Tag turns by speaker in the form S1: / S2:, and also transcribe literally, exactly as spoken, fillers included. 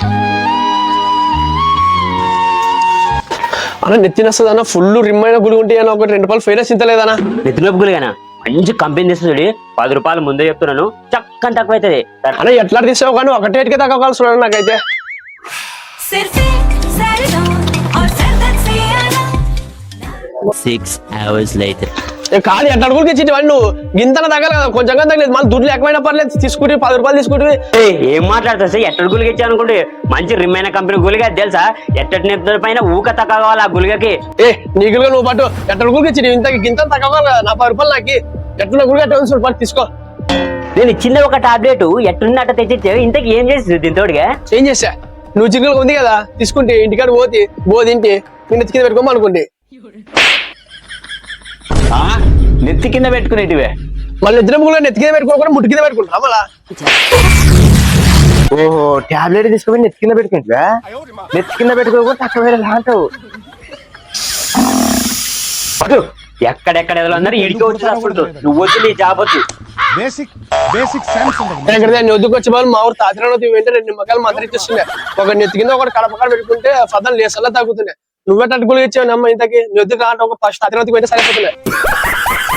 S1: అన్న నెత్తిన వస్తుందన్న ఫుల్ రిమ్మైన గుడి ఉంటే అన్న ఒకటి రెండు రూపాయలు ఫైనా చింతలేదన్నా.
S2: నెత్తినొప్పి గులిగానా మంచి కంపెనీ తీస్తుంది పది రూపాయలు ముందే చెప్తున్నాను చక్కని తక్కువ అవుతుంది
S1: అన్న ఎట్లా తీసావు కానీ ఒకటేటికే తగ్గవలసి నాకైతే.
S2: సిక్స్ అవర్స్ లైటర్
S1: కాదు ఎట్లా అడుగులకి ఇచ్చి నువ్వు గింతన తగ్గలేదు కదా కొంచెం తగ్గలేదు మళ్ళీ దుడ్లు ఎక్కువైనా పర్లేదు తీసుకుంటే పది రూపాయలు తీసుకుంటే.
S2: ఏం మాట్లాడుతా సార్ ఎట్టడి గులిగా ఇచ్చా అనుకుంటే మంచి రిమ్మైన కంపెనీ గులిగా తెలుసా ఎట్టటి నెత్తుల పైన ఊక తక్కువ కావాలి ఆ గులిగకి.
S1: ఏ నీకులుగా నువ్వు పట్టు ఎట్లా అడుగులకి ఇచ్చి ఇంత గింత తగ్గ కదా నా పది రూపాయలు నాకు ఎట్లా గుడిగా పట్టు తీసుకో.
S2: నేను ఇచ్చింది ఒక టాబ్లెట్ ఎట్టున్నట్ట తెచ్చిచ్చే ఇంతకి ఏం చేసి దీంతోడిగా
S1: ఏం చేసా నువ్వు చిక్కులు ఉంది కదా తీసుకుంటే ఇంటికాడ పోతే బో తింటే నేను నెత్తి కింద పెట్టుకోమని అనుకుంటే
S2: నెత్తి కింద పెట్టుకునేటివే
S1: మళ్ళీ నిద్ర ముగ్గులో నెత్తి కింద పెట్టుకోకుండా ముట్టు కింద పెట్టుకుంటా మళ్ళా.
S3: ఓహో టాబ్లెట్ తీసుకుని నెత్తి కింద పెట్టుకుంటా నెత్తి కింద పెట్టుకోకుండా తక్కువ అంటావు.
S2: ఎక్కడెక్కడ అందరూ ఇడికి వచ్చి రాసుకుంటూ నువ్వు వచ్చి నీ జాబ్ వచ్చు
S4: బేసిక్ బేసిక్ సైన్స్
S1: నేను వద్దుకు వచ్చే వాళ్ళు మా ఊరు తాతిరావు వెంటనే రెండు నిమ్మకాయలు మంత్రి ఇచ్చిస్తున్నాయి ఒక నెత్తి కింద ఒకటి కడపకాడ పెట్టుకుంటే పదం లేసల్లా తగ్గుతున్నాయి. నువ్వే తట్టుకులు ఇచ్చావు నమ్మ ఇంతకి నీ వద్దు కాంటే ఒక ఫస్ట్ తాతిరావుకి వెంటే సరిపోతున్నాయి.